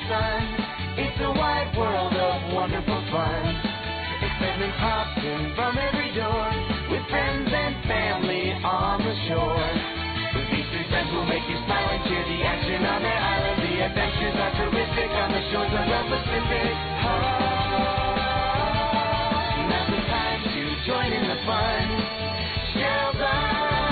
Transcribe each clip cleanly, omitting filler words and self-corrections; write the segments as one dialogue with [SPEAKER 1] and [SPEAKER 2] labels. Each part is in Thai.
[SPEAKER 1] sun. It's a wide world of wonderful fun. Excitement pops in from every door, with friends and family on the shore. With these three friends will make you smile and cheer. The action on their island, the adventures are terrific on the shores of the Pacific. Now's the time to join in the fun. Sheldon.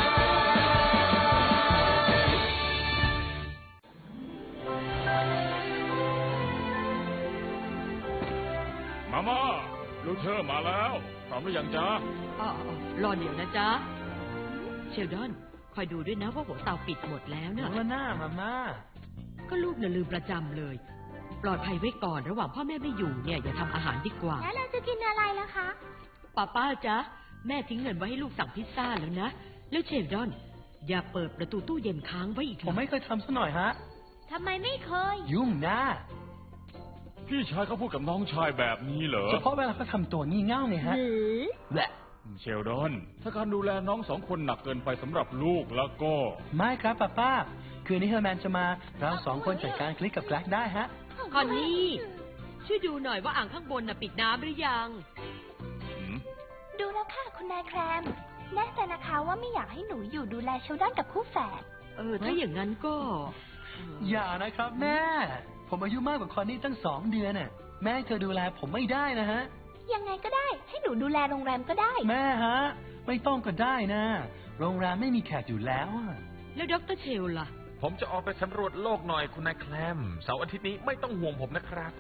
[SPEAKER 2] มาม่าลูเทอร์มาแล้วพร้อมหรือยังจ๊ะ
[SPEAKER 3] รอเดี๋ยวนะจ๊ะเชลดอนคอยดูด้วยนะว่าหัวเตาปิดหมดแล้วเนี่ย
[SPEAKER 4] หน้ามาม่า
[SPEAKER 3] ก็ลูกน่ะลืมประจำเลยปลอดภัยไว้ก่อนระหว่างพ่อแม่ไม่อยู่เนี่ยอย่าทำอาหารดีกว่า
[SPEAKER 5] แล้วเราจะกินอะไรล่ะคะ
[SPEAKER 3] ป้าจ๊ะแม่ทิ้งเงินไว้ให้ลูกสั่งพิซซ่าแล้วนะแล้วเชลดอนอย่าเปิดประตูตู้เย็นค้างไว้อีก
[SPEAKER 4] ผมไม่เคยทำซะหน่อยฮะ
[SPEAKER 5] ทำไมไม่เคย
[SPEAKER 4] ยุ่งนะ
[SPEAKER 2] พี่ชายเขาพูดกับน้องชายแบบนี้เหรอ
[SPEAKER 4] เฉพาะเวลาเขาทำตัวงี่เง่าไงฮะ
[SPEAKER 2] แหละเชลดอนถ้าการดูแลน้องสองคนหนักเกินไปสำหรับลูกแล้วก็
[SPEAKER 4] ไม่ครับป้าคืนนี้เฮอร์แมนจะมาเราสองคนจัดการคลิกกับแกลกได้ฮะ
[SPEAKER 3] คอนนี่ช่วยดูหน่อยว่าอ่างข้างบนน่ะปิดน้ำหรือยัง
[SPEAKER 5] ดูแล้วค่ะคุณนายแครมแน่ใจนะคะว่าไม่อยากให้หนูอยู่ดูแลเชลดอนกับคู่แฝด
[SPEAKER 3] ถ้าอย่างนั้นก็
[SPEAKER 4] อย่านะครับแม่ผมอายุมากกว่าคอนนี่ตั้ง2 เดือนน่ะแม่เธอดูแลผมไม่ได้นะฮะ
[SPEAKER 5] ยังไงก็ได้ให้หนูดูแลโรงแรมก็ได้
[SPEAKER 4] แม่ฮะไม่ต้องก็ได้นะโรงแรมไม่มีแขกอยู่แล้ว
[SPEAKER 3] แล้วดร.เชลล่ะ
[SPEAKER 6] ผมจะออกไปสำรวจโลกหน่อยคุณนายแคลมเสาร์อาทิตย์นี้ไม่ต้องห่วงผมนะครับ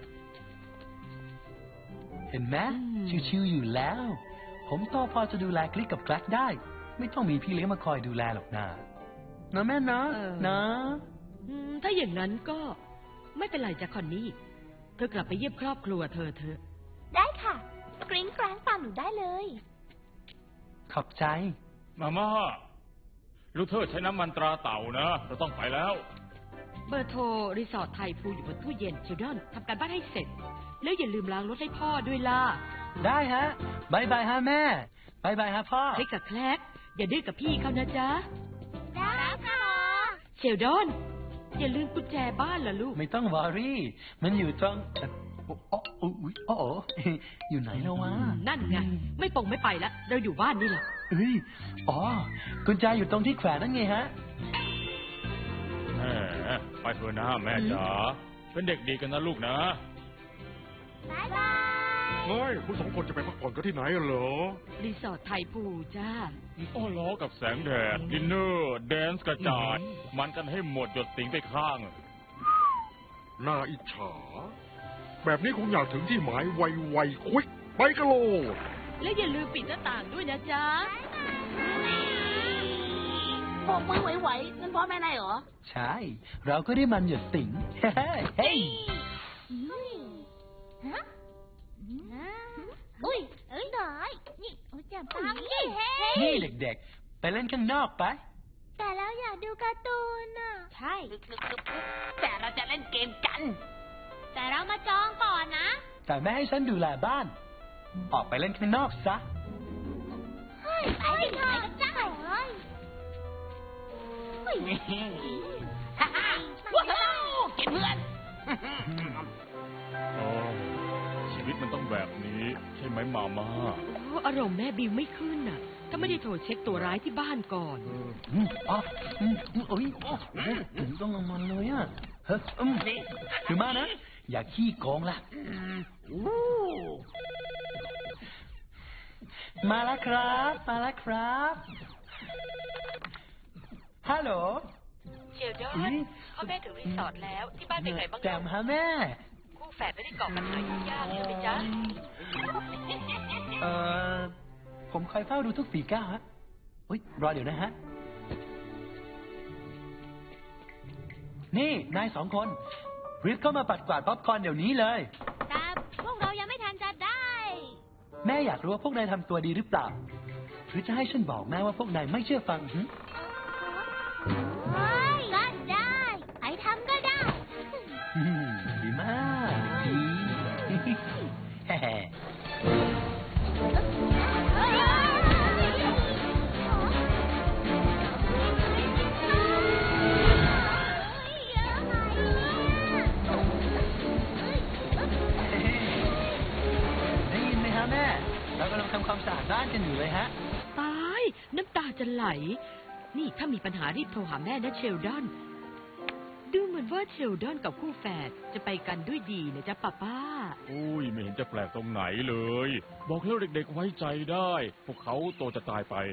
[SPEAKER 4] เห็นไหมชิวๆอยู่แล้วผมโตพอจะดูแลคลิกกับแกลกได้ไม่ต้องมีพี่เลี้ยงมาคอยดูแลหรอกนะแม่นะ
[SPEAKER 3] ถ้าอย่างนั้นก็ไม่เป็นไรจ้ะคอนนี่เธอกลับไปเยี่ยมครอบครัวเธอ
[SPEAKER 5] ได้ค่ะกริ้งกร้างตามหนูได้เลย
[SPEAKER 4] ขอบใจ
[SPEAKER 2] มาม่าลูเทอร์ใช้น้ำมันตราเต่านะเราต้องไปแล้ว
[SPEAKER 3] เบอร์โทรรีสอร์ทไทยพูอยู่บนตู้เย็นเชลดอนทำการบ้านให้เสร็จแล้วอย่าลืมล้างรถให้พ่อด้วยล่ะ
[SPEAKER 4] ได้ฮะบายบายฮะแม่บายบายฮะพ่อ
[SPEAKER 3] ให้กับแคลกอย่าดื้อกับพี่เขานะจ๊ะ
[SPEAKER 5] ได้ค่ะ
[SPEAKER 3] เชลดอนอย่าลืมกุญแจบ้านล่ะลูก
[SPEAKER 4] ไม่ต้องวอรี่มันอยู่ตรงอยู่ไหนแล้ววะ
[SPEAKER 3] นั่นไงไม่ปงไม่ไปแล้วเราอยู่บ้านนี่แหละ
[SPEAKER 4] กุญแจอยู่ตรงที่แขวนนั่นไงฮะ
[SPEAKER 2] ไปเถอะนะแม่จ๋าเป็นเด็กดีกันนะลูกนะ
[SPEAKER 5] บ๊ายบาย
[SPEAKER 7] เฮ้ยคุณ2 คนจะไปพักผ่อนกันที่ไหนเหรอ
[SPEAKER 3] รีสอร์ทไทยพูจ้า
[SPEAKER 2] ล้อกับแสงแดดดินเนอร์แดนซ์กระจายมันกันให้หมดหยดติ๋งไปข้าง
[SPEAKER 7] น่าอิจฉาแบบนี้คงอยากถึงที่หมายไวๆควิกไปกันโลด
[SPEAKER 3] และอย่าลืมปิดหน้าต่างด้วยนะจ๊ะ
[SPEAKER 5] โบกมือไหวๆนั่นพ่อแม่นายเหรอ
[SPEAKER 4] ใช่เราก็ได้มันหยดติ๋งเฮ้ย
[SPEAKER 5] อุ้ยน้อยนี่จับปัง
[SPEAKER 4] นี่เด็กๆไปเล่นข้างนอกไป
[SPEAKER 5] แต่เราอยากดูการ์ตูนน่ะใช่
[SPEAKER 3] แต่เราจะเล่นเกมกัน
[SPEAKER 5] แต่เรามาจองก่อนนะ
[SPEAKER 4] แต่แม่ให้ฉันดูแลบ้านออกไปเล่นข้างนอกซะ
[SPEAKER 5] ไปเถอะจ้า
[SPEAKER 3] ว้าวเก็บเพื่อน
[SPEAKER 2] ชีวิตมันต้องแบบนี้ใช่ไหมมาม่า
[SPEAKER 3] อารมณ์แม่บิวไม่ขึ้นน่ะถ้าไม่ได้โทรเช็คตัวร้ายที่บ้านก่อน
[SPEAKER 4] ถึงต้องเอามันเลยอ่ะถือมานะอย่าขี้โกงล่ะมาแล้วครับฮัลโหล
[SPEAKER 3] เชลดอนพ่อแม่ถึงรีสอร์ทแล้วที่บ้านเป็นไงบ้าง
[SPEAKER 4] แจมฮะแม่
[SPEAKER 3] คู่แฝดไม่ได้ก่อปัญหายุ่งยากใช่ไหมจ๊ะ
[SPEAKER 4] ผมคอยเฝ้าดูทุกฝีก้าวฮะรอเดี๋ยวนะฮะนี่นาย2 คนรีบเข้ามาปัดกวาดป๊อปคอร์นเดี๋ยวนี้เลย
[SPEAKER 5] แต่พวกเรายังไม่ทันจะได้
[SPEAKER 4] แม่อยากรู้ว่าพวกนายทำตัวดีหรือเปล่าหรือจะให้ฉันบอกแม่ว่าพวกนายไม่เชื่อฟัง
[SPEAKER 5] ก็ได้ไอ้ทำก็ได้
[SPEAKER 4] ดีมากดีำความสะอาดบ้านกันอยู่เลยฮะ
[SPEAKER 3] ตายน้ำตาจะไหล นี่ถ้ามีปัญหารีบโทรหาแม่นะเชลดอน ดูเหมือนว่าเชลดอนกับคู่แฝดจะไปกันด้วยดีนะจ๊ะป้า
[SPEAKER 2] อุ้ยไม่เห็นจะแปลกตรงไหนเลย บอกให้เด็กๆไว้ใจได้ พวกเขาโตจะตายไป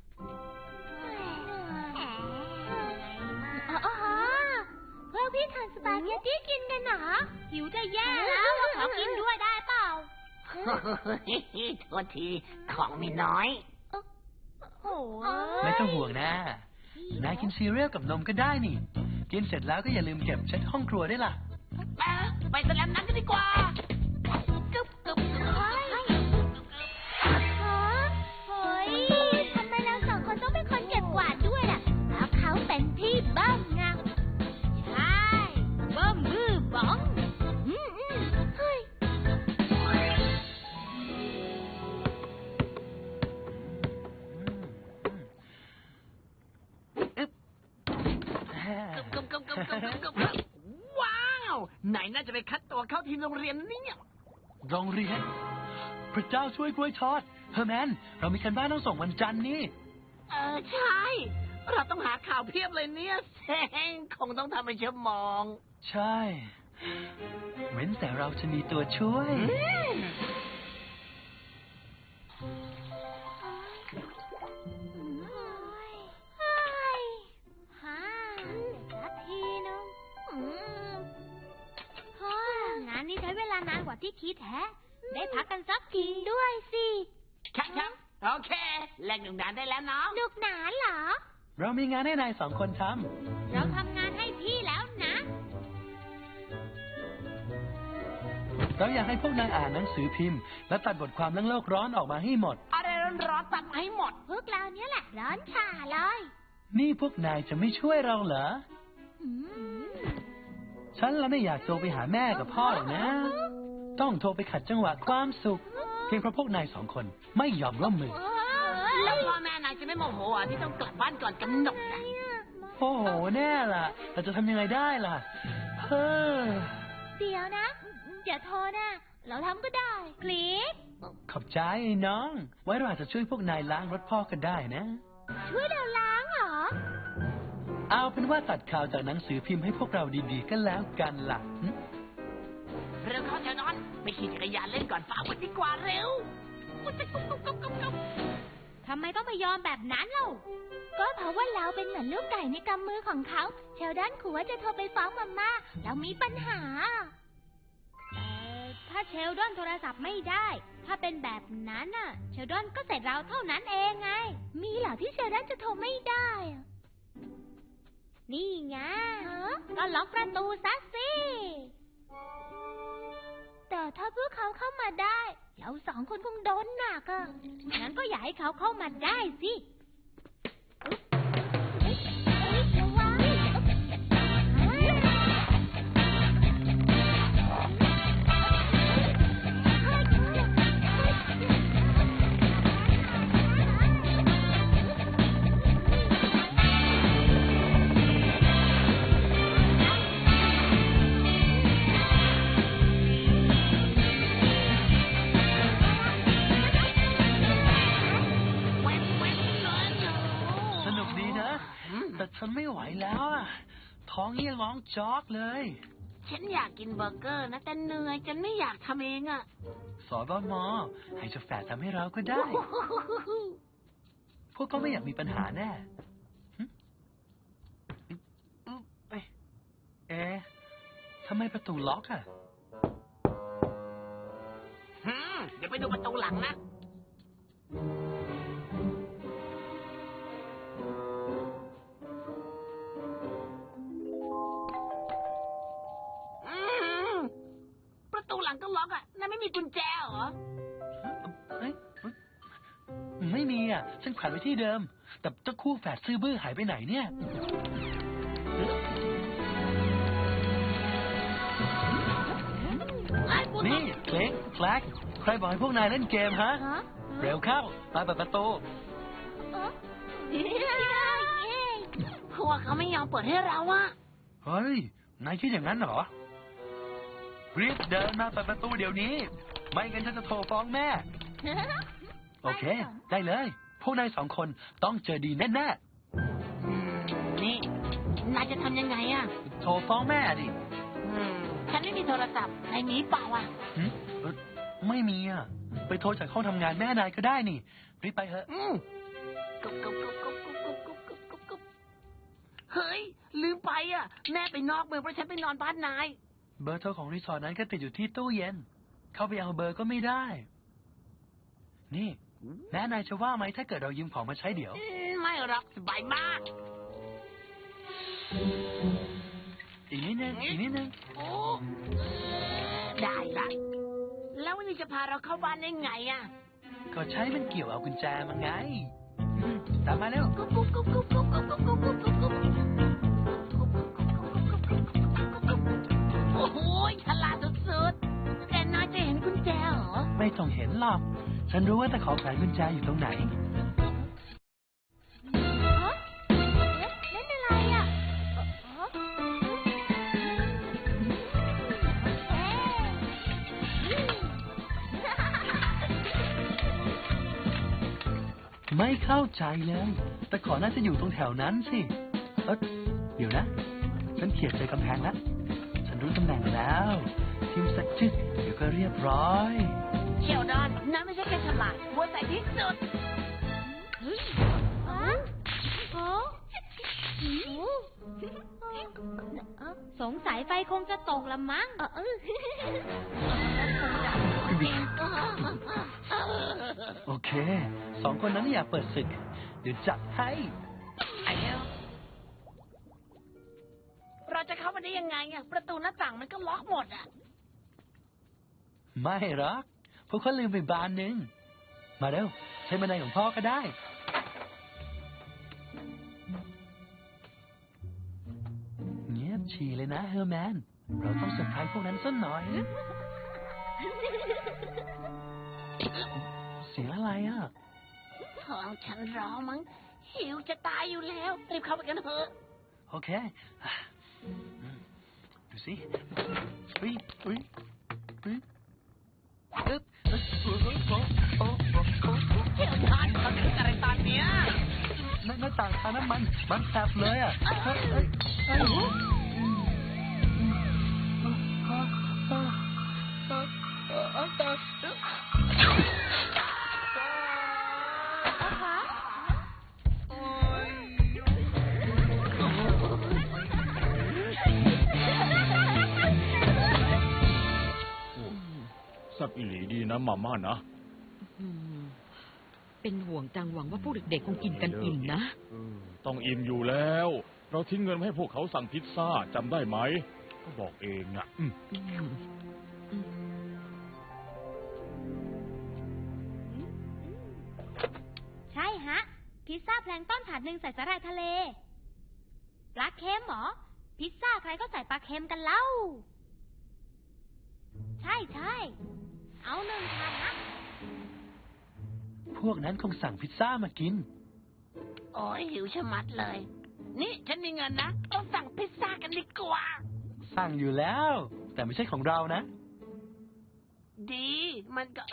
[SPEAKER 5] อ๋อพวกพี่ทานสปาเกตตี้กินกันเหรอหิวจะแย่แล้วเราขอกินด้วยได้เปล่า
[SPEAKER 8] โทษทีของมีน้อย
[SPEAKER 5] โอ้
[SPEAKER 4] ไม่ต้องห่วงนะ นายกินซีเรียลกับนมก็ได้นี่ กินเสร็จแล้วก็อย่าลืมเก็บเช็ดห้องครัวด้วยล่ะ
[SPEAKER 8] ไปสแลมนั้นกันดีกว่า
[SPEAKER 5] เฮ้ยทำไมเราสองคนต้องเป็นคนเก็บกวาดด้วยล่ะเพราะเขาเป็นพี่เบิ้มไงใช่เบิ้มบื้อบ้องเฮ้ย
[SPEAKER 8] ว้าว ไหนน่าจะไปคัดตัวเข้าทีมโรงเรียนเนี่ย
[SPEAKER 4] โรงเรียน พระเจ้าช่วยกล้วยทอด เฮอร์แมน เรามีการบ้านต้องส่งวันจันทร์นี่
[SPEAKER 8] ใช่ เราต้องหาข่าวเพียบเลยเนี่ยเซ็งคงต้องทำเป็นชั่วโมง
[SPEAKER 4] ใช่ เว้นแต่เราจะมีตัวช่วย
[SPEAKER 5] สักทีนึงงานนี้ใช้เวลานานกว่าที่คิดแฮะ ได้พักกันสักทีด้วยสิ
[SPEAKER 8] ครับโอเคแลกหนุ่มนานได้แล้วเนาะ
[SPEAKER 5] หนุกหนานเหรอ
[SPEAKER 4] เรามีงานให้นาย2 คนท
[SPEAKER 5] เราทำงานให้พี่แล้วนะ
[SPEAKER 4] ำ เราอยากให้พวกนายอ่านหนังสือพิมพ์ และตัดบทความเรื่องโลกร้อนออกมาให้หมด
[SPEAKER 8] อะไรร้อนๆตัดมาให้หมด
[SPEAKER 5] พวกเราเนี่ยแหละร้อนฉ่าเลย
[SPEAKER 4] นี่พวกนายจะไม่ช่วยเราเหรอ
[SPEAKER 5] อืม
[SPEAKER 4] ฉันละไม่อยากโทรไปหาแม่กับพ่อหรอกนะ ต้องโทรไปขัดจังหวะความสุข เพียงเพราะพวกนาย2 คนไม่ยอมร่วมมือ
[SPEAKER 8] แล้วพ่อแม่นายจะไม่โมโหอ่ะที่ต้องกลับบ้านก่อนกำหนดนะ
[SPEAKER 4] โอ้โห แน่ล่ะ เราจะทำยังไงได้ล่ะ เฮ้อ
[SPEAKER 5] เดี๋ยวนะอย่าโทรนะ เราทำก็ได้คลิก
[SPEAKER 4] ขอบใจไอ้น้อง ไว้เราอาจจะช่วยพวกนายล้างรถพ่อก็ได้นะ
[SPEAKER 5] ช่วยเราล้างเหรอ
[SPEAKER 4] เอาเป็นว่าตัดข่าวจากหนังสือพิมพ์ให้พวกเราดีๆก็แล้วกันล่ะหึ
[SPEAKER 8] เร็วเข้าเถอะนอนไปขี่จักรยานเล่นก่อนฟ้ามืดดีกว่าเร็ว
[SPEAKER 5] ทำไมต้องไปยอมแบบนั้นเล่าก็เพราะว่าเราเป็นเหมือนลูกไก่ในกำมือของเขา เชลดอนขู่ว่าจะโทรไปฟ้องมาม่าแล้วมีปัญหา ถ้าเชลดอนโทรศัพท์ไม่ได้ ถ้าเป็นแบบนั้นน่ะ เชลดอนก็เสร็จเราเท่านั้นเองไง มีเหรอที่เชลดอนจะโทรไม่ได้อะนี่ไงก็ล็อกประตูซะสิ แต่ถ้าพวกเขาเข้ามาได้ เรา2 คนคงโดนหนักอ่ะ งั้นก็อย่าให้เขาเข้ามาได้สิระวัง
[SPEAKER 4] แต่ฉันไม่ไหวแล้วอะท้องนี่ร้องจอกเลย
[SPEAKER 8] ฉันอยากกินเบอร์เกอร์นะแต่เหนื่อยฉันไม่อยากทำเองอ่ะ
[SPEAKER 4] สบม.ให้เจ้าแฝดทำให้เราก็ได้ พวกเขาไม่อยากมีปัญหาแน่ทำไมประตูล็อกอ่ะ
[SPEAKER 8] เดี๋ยวไปดูประตูหลังนะประตูหลังก็ล็อกอ่ะนั่นไม่มีกุญแจเหรอ
[SPEAKER 4] ไม่มีอ่ะ ฉันแขวนไว้ที่เดิม แต่เจ้าคู่แฝดซื่อบื้อหายไปไหนเนี่ย นี่เล็กแฟลกใครบอกให้พวกนายเล่นเกมฮะ เร็วเข้ามาเปิดประตู
[SPEAKER 8] พวกเขาไม่ยอมเปิดให้เราอ่ะ
[SPEAKER 4] เฮ้ย นายคิดอย่างนั้นเหรอ รีบเดินมาเปิดประตูเดี๋ยวนี้ ไม่งั้นฉันจะโทรฟ้องแม่โอเค ได้เลย พวกนาย2 คนต้องเจอดีแน่
[SPEAKER 8] นี่นายจะทำยังไงอ่ะ
[SPEAKER 4] ๆ โทรฟ้องแม่ดิ
[SPEAKER 8] ฉันไม่มีโทรศัพท์นายมีเปล่าอ่ะ
[SPEAKER 4] ไม่มีอ่ะ ไปโทรจากห้องทำงานแม่นายก็ได้นี่ รีบไปเถอะ
[SPEAKER 8] กุ๊บกุ๊บกุ๊บกุ๊บกุ๊บกุ๊บกุ๊บกุ๊บกุ๊บกุ๊บเฮ้ย ลืมไปอ่ะ แม่ไปนอกเมืองเพราะฉันไปนอนบ้านนาย
[SPEAKER 4] เบอร์โทรของรีสอร์ทนั้นก็ติดอยู่ที่ตู้เย็น เข้าไปเอาเบอร์ก็ไม่ได้ นี่แม่นายจะว่าไหมถ้าเกิดเรายืมของมาใช้เดี๋ยว
[SPEAKER 8] ไม่หรอกสบายมาก
[SPEAKER 4] อีกนิดนึง อีกนิดนึง
[SPEAKER 8] โอ้ได้ละแล้ววันนี้จะพาเราเข้าบ้านได้ไงอ่ะ
[SPEAKER 4] ก็ใช้มันเกี่ยวเอากุญแจมาไง ตามมาเร็ว
[SPEAKER 8] กุ๊บกุ๊บกุ๊บกุ๊บกุ๊บกุ๊บกุ๊บกุ๊บกุ๊บกุ๊บกุ๊บโอ้โหฉลาดสุดๆแต่นายจะเห็นกุญแจเหรอ
[SPEAKER 4] ไม่ต้องเห็นหรอก ฉันรู้ว่าตะขอแขวนกุญแจอยู่ตรงไหน
[SPEAKER 5] เล่นอะไรอ่ะ
[SPEAKER 4] ไม่เข้าใจเลยตะขอน่าจะอยู่ตรงแถวนั้นสิเดี๋ยวนะ ฉันเขียนใส่กำแพงแล้ว ฉันรู้ตำแหน่งแล้ว ทิมสักจึ๊กเดี๋ยวก็เรียบร้อย
[SPEAKER 8] เชียวดอนนายไม่ใช่แค่ฉลาดมัวใส่ที่สุด
[SPEAKER 5] สงสัยไฟคงจะตกละมั้ง
[SPEAKER 4] โอเค 2 คนนั้นอยากเปิดศึก เดี๋ยวจัดให้
[SPEAKER 8] เราจะเข้ามาได้ยังไงอ่ะ ประตูหน้าต่างมันก็ล็อกหมดอ่ะ
[SPEAKER 4] ไม่หรอกพวกเขาลืมไปบานหนึ่ง มาเร็ว ใช้บันไดของพ่อก็ได้ เงียบฉี่เลยนะเฮอร์แมน เราต้องเซอร์ไพรส์พวกนั้นสักหน่อย เสียงอะไรอ่ะ
[SPEAKER 8] ท้องฉันร้องมั้ง หิวจะตายอยู่แล้ว รีบเข้าไปกันเถอะ
[SPEAKER 4] โอเค ดูสิเฮ้ยเฮ้ยเฮ้ยอึ๊บโอ้โห
[SPEAKER 8] เชียวดอนเขาคิดอะไรตอนเนี้ย
[SPEAKER 4] หน้าต่างทางน้ำมันแสบเลยอ่ะเฮ้ยเฮ้ยเฮ้ย
[SPEAKER 2] แซ่บอีหลีดีนะมาม่านะ
[SPEAKER 3] เป็นห่วงจังหวังว่าพวกเด็กๆคงกินกันอิ่มนะ
[SPEAKER 2] ต้องอิ่มอยู่แล้ว เราทิ้งเงินให้พวกเขาสั่งพิซซ่าจำได้ไหม ก็บอกเองอ่ะ
[SPEAKER 5] ใช่ฮะ พิซซ่าแพลงก์ต้นถาดหนึ่งใส่สาหร่ายทะเลปลาเค็มเหรอ พิซซ่าใครก็ใส่ปลาเค็มกันเล่า ใช่ใช่เอา1 ถาดนะ
[SPEAKER 4] พวกนั้นคงสั่งพิซซ่ามากิน
[SPEAKER 8] โอ้ยหิวชะมัดเลย นี่ฉันมีเงินนะเราสั่งพิซซ่ากันดีกว่า
[SPEAKER 4] สั่งอยู่แล้ว แต่ไม่ใช่ของเรานะ
[SPEAKER 8] ดี มันก็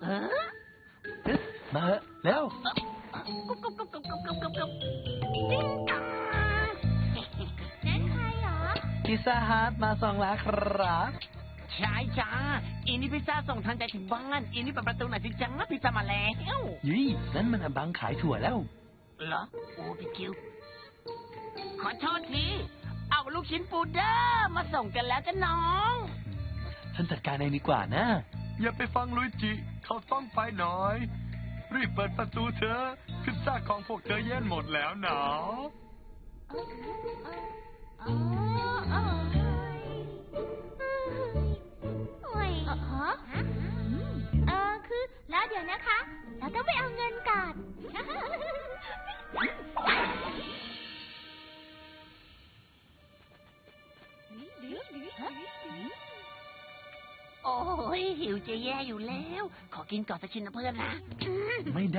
[SPEAKER 4] มาเถอะเร็ว
[SPEAKER 8] กุ๊บกุ๊บกุ๊บกุ๊บกุ๊บกุ๊บกุ๊บกุ๊บติ๊งตัง
[SPEAKER 5] นั่นใครเหรอ
[SPEAKER 4] พิซซ่าฮัทมาส่งแล้วครับ
[SPEAKER 8] ใช่จ้าอีนี่พิซซ่าส่งทางใจถึงบ้านอีนี่เปิดประตูหน่อยสิจังนะพิซซ่ามาแล้ว
[SPEAKER 4] ยี่นั่นมันอบังขายถั่วแล้ว
[SPEAKER 8] เหรอ โอ้พี่คิว ขอโทษที เอาลูกชิ้นปูเดอร์มาส่งกันแล้วจ้ะน้อง
[SPEAKER 4] ฉันจัดการเองดีกว่านะ อย่าไปฟังลุยจิ เขาต้องไปหน่อย รีบเปิดประตูเธอ พิซซ่าของพวกเธอเย็นหมดแล้วหนาว
[SPEAKER 5] คือแล้วเดี๋ยวนะคะ เราต้องไปเอาเงินก่อน
[SPEAKER 8] โอ้ยหิวจะแย่อยู่แล้ว ขอกินก่อนสักชิ้นนะเพื่อนนะ
[SPEAKER 4] ไม่ได้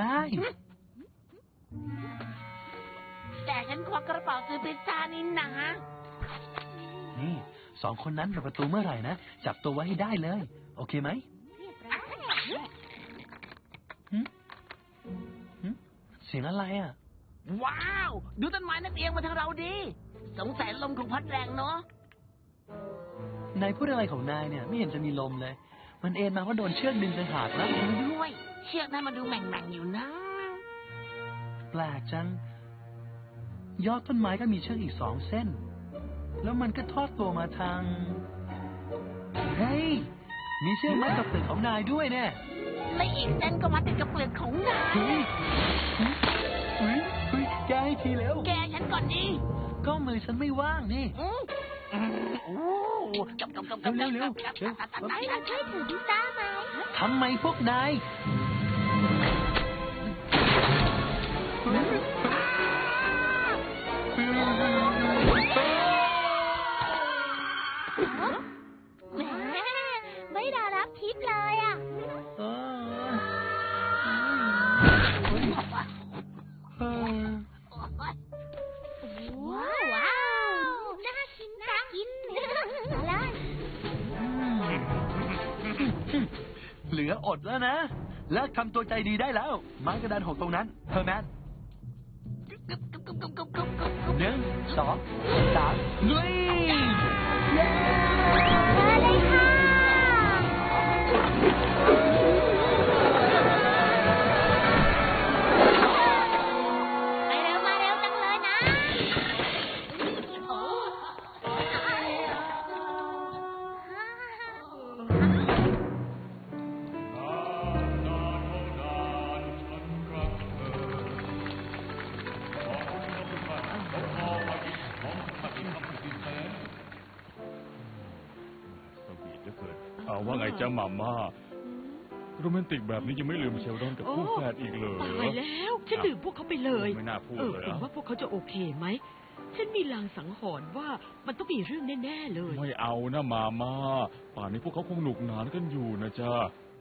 [SPEAKER 8] แต่ฉันควักกระเป๋าซื้อพิซซ่านี่นะ
[SPEAKER 4] นี่2 คนนั้นเปิดประตูเมื่อไหร่นะ จับตัวไว้ให้ได้เลย โอเคไหมสียงอะไรอ่ะ
[SPEAKER 8] ว้าว ดูต้นไม้นั่นเอียงมาทางเราดิสงสัยลมคงพัดแรงเนาะ
[SPEAKER 4] นายพูดอะไรของนายเนี่ย ไม่เห็นจะมีลมเลย มันเอ็นมาเพราะโดนเชือกดึงไปหักแล้ว
[SPEAKER 8] ด้วย เชือกนั้นมาดูแหม่งๆอยู่นะ
[SPEAKER 4] แปลกจัง ยอดต้นไม้ก็มีเชือกอีก2 เส้น แล้วมันก็ทอดตัวมาทาง เฮ้ย มีเชือกมัดกับเปลือกของนายด้วยเนี่ย
[SPEAKER 8] และอีกเส้นก็มาติดกับเปลือกของนาย
[SPEAKER 4] เฮ้ยเฮ้ยเฮ้ยแกให้ทีแล้ว
[SPEAKER 8] แกฉันก่อนดิ
[SPEAKER 4] ก็มือฉันไม่ว่างนี่
[SPEAKER 8] โอ้จบ
[SPEAKER 4] เร็ว
[SPEAKER 5] ให้เราช่วยถือพิซซ่าไหม
[SPEAKER 4] ทำไมพวกนาย
[SPEAKER 5] แหมไม่ได้รับทิปเลยอ่ะ ว้าว น่ากินจังอะไร
[SPEAKER 4] เหลืออดแล้วนะ เลิกทำตัวใจดีได้แล้ว ไม้กระดานหกตรงนั้นเฮอร์แมน 1 2 3ลุย
[SPEAKER 5] มาเลยค่ะมาเร็วจังเลยนะ
[SPEAKER 2] เอาว่าไงจ๊ะหม่าม่าโรแมนติกแบบนี้ยังไม่ลืมเชลดอนกับคู่แฝดอีกเลย
[SPEAKER 3] ตายแล้วฉันลืมพวกเขาไปเลย
[SPEAKER 2] ไม่น่าพูดเลย
[SPEAKER 3] เห็นว่าพวกเขาจะโอเคไหม ฉันมีลางสังหรณ์ว่ามันต้องมีเรื่องแน่ๆเลย
[SPEAKER 2] ไม่เอานะหม่าม่าป่านนี้พวกเขาคงหนุกหนานกันอยู่นะจ๊ะ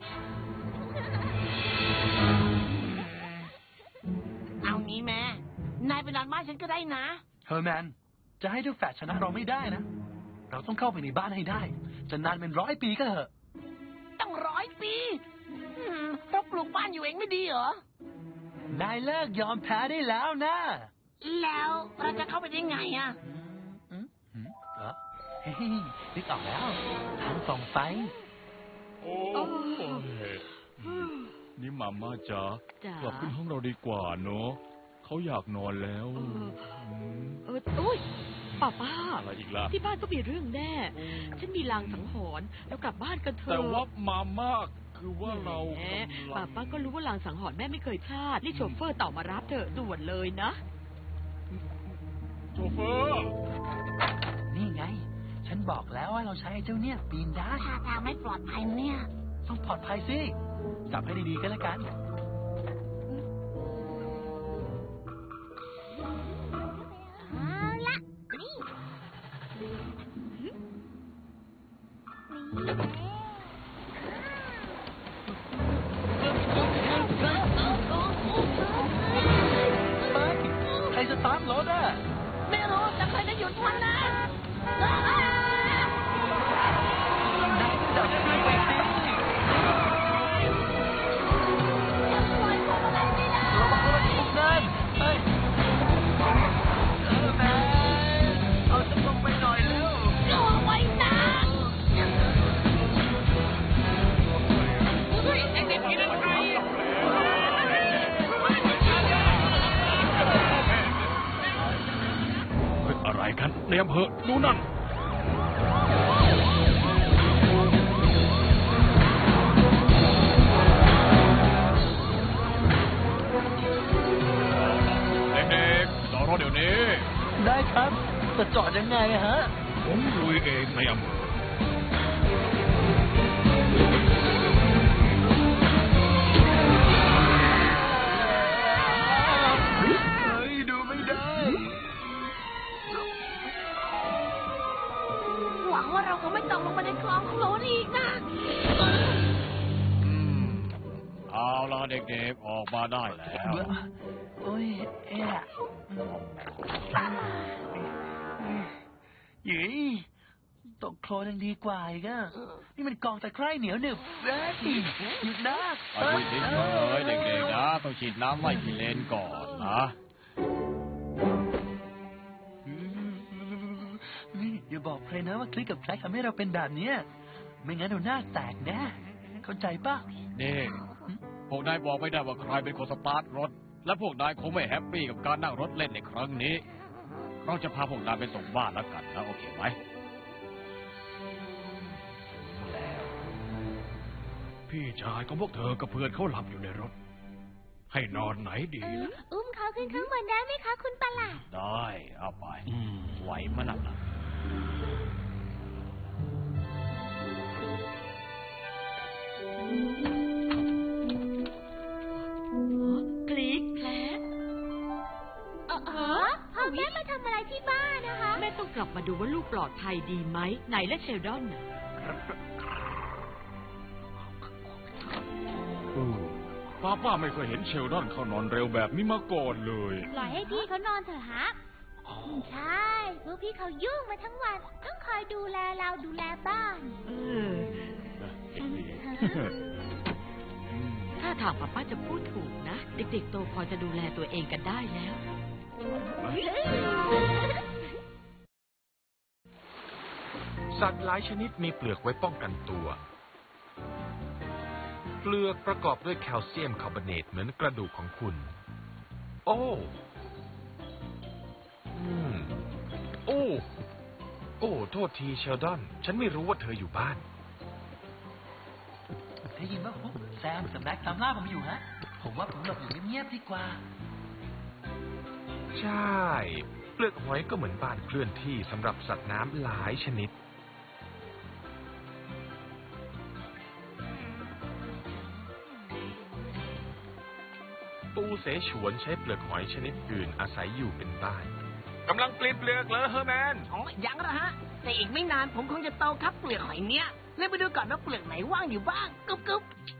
[SPEAKER 8] เอางี้แม่นายไปนอนบ้านฉันก็ได้นะ
[SPEAKER 4] เฮอร์แมน จะให้เจ้าแฝดชนะเราไม่ได้นะ เราต้องเข้าไปในบ้านให้ได้ จะนานเป็น100 ปีก็เถอะ
[SPEAKER 8] ตั้ง100 ปีเราปลูกบ้านอยู่เองไม่ดีเหรอ
[SPEAKER 4] นายเลิกยอมแพ้ได้แล้วนะ
[SPEAKER 8] แล้วเราจะเข้าไปได้ไงอะ
[SPEAKER 4] เหรอเฮ้ยนึกออกแล้วทางส่องไฟ
[SPEAKER 2] โอ้ยนี่หม่าม่าจ๊ะ
[SPEAKER 3] จ๋าก
[SPEAKER 2] ลับขึ้นห้องเราดีกว่าเนอะเขาอยากนอนแล้ว
[SPEAKER 3] อุ้ยป้า
[SPEAKER 2] อะไรอีกล่ะ
[SPEAKER 3] ที่บ้านก็มีเรื่องแน่ ฉันมีลางสังหรณ์แล้วกลับบ้านกันเถอะ
[SPEAKER 2] แต่ว่าหม่าม่าคือว่าเรา
[SPEAKER 3] แหมป้าก็รู้ว่าลางสังหรณ์แม่ไม่เคยพลาดนี่โชเฟอร์เต่ามารับเถอะด่วนเลยนะ
[SPEAKER 2] โชเฟอร์
[SPEAKER 4] นี่ไง ฉันบอกแล้วว่าเราใช้ไอ้เจ้าเนี่ยปีนได้
[SPEAKER 8] ท่าทางไม่ปลอดภัยเนี่ย
[SPEAKER 4] ต้องปลอดภัยสิ จับให้ดีๆก็แล้วกัน
[SPEAKER 5] เอาละนี่
[SPEAKER 4] ใครสตาร์ทรถอ่ะ
[SPEAKER 8] ไม่รู้แต่เคยจะหยุดมันนะ
[SPEAKER 4] นายก็จับเครื่องไปสิระวังรถถูกนั่นเฮ้ยแม่เอาจะลงไปหน่อยเร็ว
[SPEAKER 8] รอไว้นะเฮ้ยเด็กๆกินอะไร
[SPEAKER 2] อะไรกันในอำเภอดูนั่นเด็กๆจอดรถเดี๋ยวนี้
[SPEAKER 4] ได้ครับจะจอดยังไงฮะ
[SPEAKER 2] ผมลุยเองในอำเภอ
[SPEAKER 4] เฮ้ย ดูไม่ได้
[SPEAKER 8] หวังว่าเราคงไม่ตกลงไปในคลองโคลนอีกนะ
[SPEAKER 2] เอาล่ะเด็กๆออกมาได้แล้ว
[SPEAKER 4] โอ้ยเอ๊ะหยีตกโคลนยังดีกว่าอีกอะนี่มันกองตะไคร่เหนียวหนึบเฮ้ยหยุดนะ
[SPEAKER 2] ไปดิเฮ้ยเด็กๆนะต้องฉีดน้ำไล่กิเลนก่อนนะ
[SPEAKER 4] นี่อย่าบอกใครนะว่าคลิกกับแคลกทำให้เราเป็นแบบเนี้ยไม่งั้นเราหน้าแตกแน่เข้าใจป่ะ
[SPEAKER 2] นี่พวกนายบอกไม่ได้ว่าใครเป็นคนสตาร์ทรถ และพวกนายคงไม่แฮปปี้กับการนั่งรถเล่นในครั้งนี้เราจะพาพวกนายไปส่งบ้านแล้วกันนะโอเคไหม
[SPEAKER 7] พี่ชายของพวกเธอกับเพื่อนเขาหลับอยู่ในรถ ให้นอนไหนดีนะ
[SPEAKER 5] อุ้มเขาขึ้นข้างบนได้ไหมคะคุณประหลาด
[SPEAKER 2] ได้เอาไปไหวมั้ยน่ะ
[SPEAKER 3] คลิกแคลก
[SPEAKER 5] พ่อแม่มาทำอะไรที่บ้านนะคะ
[SPEAKER 3] แม่ต้องกลับมาดูว่าลูกปลอดภัยดีไหมไหนและเชลดอนน่ะ
[SPEAKER 2] ป้าไม่เคยเห็นเชลดอนเขานอนเร็วแบบนี้มาก่อนเลย
[SPEAKER 5] ปล่อยให้พี่เขานอนเถอะฮะใช่พวกพี่เขายุ่งมาทั้งวัน ต้องคอยดูแลเราดูแลบ้าน
[SPEAKER 3] ถ้าถามป้าจะพูดถูกนะ เด็กๆโตพอจะดูแลตัวเองกันได้แล้ว
[SPEAKER 6] สัตว์หลายชนิดมีเปลือกไว้ป้องกันตัว เปลือกประกอบด้วยแคลเซียมคาร์บอเนตเหมือนกระดูกของคุณ โอ้โอ้โทษทีเชลดอนฉันไม่รู้ว่าเธออยู่บ้าน
[SPEAKER 4] ได้ยินว่าฟุ๊กแซมกับแม็กตามล่าผมอยู่ฮะผมว่าผมหลบอยู่เงียบๆดีกว่า
[SPEAKER 6] ใช่เปลือกหอยก็เหมือนบ้านเคลื่อนที่สำหรับสัตว์น้ำหลายชนิดปูเสฉวนใช้เปลือกหอยชนิดอื่นอาศัยอยู่เป็นบ้านกำลังเปลี่ยนเปลือกเลยเฮอร์แมน
[SPEAKER 8] อ๋อยังละฮะ แต่อีกไม่นานผมคงจะโตครับเปลือกหอยเนี้ยเลยไปดูก่อนว่าเปลือกไหนว่างอยู่บ้างกึ๊บ